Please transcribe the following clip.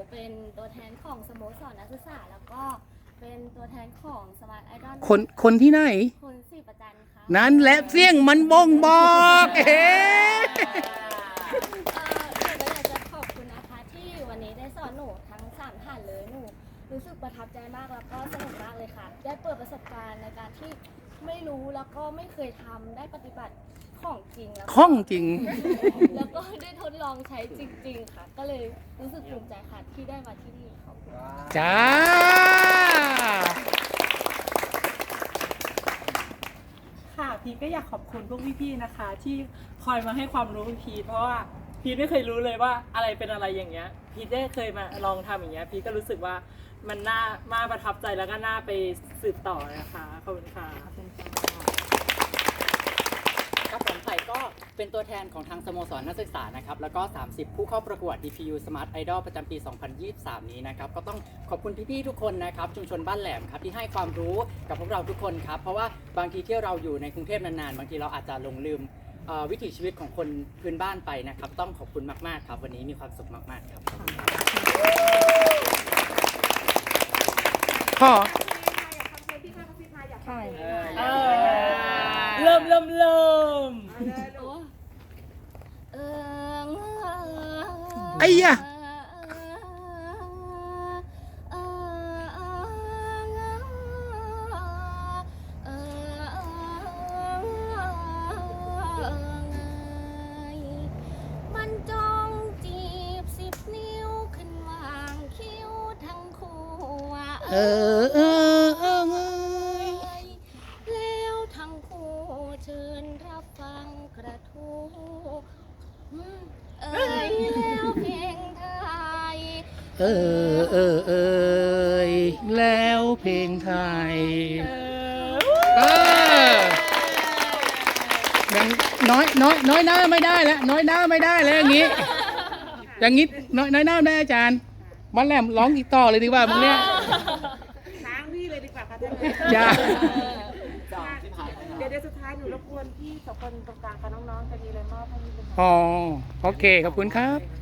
เป็นตัวแทนของสโมสรนักศึกษาแล้วก็เป็นตัวแทนของสมาร์ทไอดอลคนที่ไหนคนศรีประจันค่ะนั่นแหละเสียงมันบ่งบอกหนูก็อยากจะขอบคุณนะคะที่วันนี้ได้สอนหนูทั้ง3ท่านเลยหนูรู้สึกประทับใจมากแล้วก็สนุกมากเลยค่ะได้เปิดประสบการณ์ในการที่ไม่รู้แล้วก็ไม่เคยทำได้ปฏิบัติของจริงแล้วข้องจริงแล้วก็ได้ทดลองใช้จริงๆค่ะก็เลยรู้สึกภูมิใจค่ะที่ได้มาที่นี่ขอบคุณจ้าค่ะพีทก็อยากขอบคุณพวกพี่ๆนะคะที่คอยมาให้ความรู้พีทเพราะว่าพีทไม่เคยรู้เลยว่าอะไรเป็นอะไรอย่างเงี้ยพีทได้เคยมาลองทำอย่างเงี้ยพีทก็รู้สึกว่ามันน่าประทับใจแล้วก็น่าไปสืบต่อนะคะขอบคุณค่ะครับผมไผ่ก็เป็นตัวแทนของทางสโมสรนักศึกษานะครับแล้วก็30ผู้เข้าประกวด DPU Smart Idol ประจำปี 2023 นี้นะครับก็ต้องขอบคุณพี่ๆทุกคนนะครับชุมชนบ้านแหลมครับที่ให้ความรู้กับพวกเราทุกคนครับเพราะว่าบางทีที่เราอยู่ในกรุงเทพนานๆบางทีเราอาจจะหลงลืมวิถีชีวิตของคนพื้นบ้านไปนะครับต้องขอบคุณมากๆครับวันนี้มีความสุขมากๆครับพ่อเริ่มไอ้ยะมันจ้องจีบ10 นิ้วขึ้นวางคิ้วทั้งคู่แล้วทั้งคู่เชิญรับฟังกระทู้แล้วเพลงไทยแล้วเพลงไทยยังน้อยหน้าไม่ได้แล้วน้อยหน้าไม่ได้แล้วอย่างนี้น้อยหน้าได้อาจารย์บ้านแหลมร้องอีกต่อเลยดีกว่ามึงเนี่ยค้างพี่เลยดีกว่าค่ะท่านจ้าเดี๋ยวสุดท้ายหนูรบกวนพี่2 คนตรงกลางกับน้องๆจะมีอะไรมอบให้พี่เป็นอ๋อโอเคขอบคุณครับ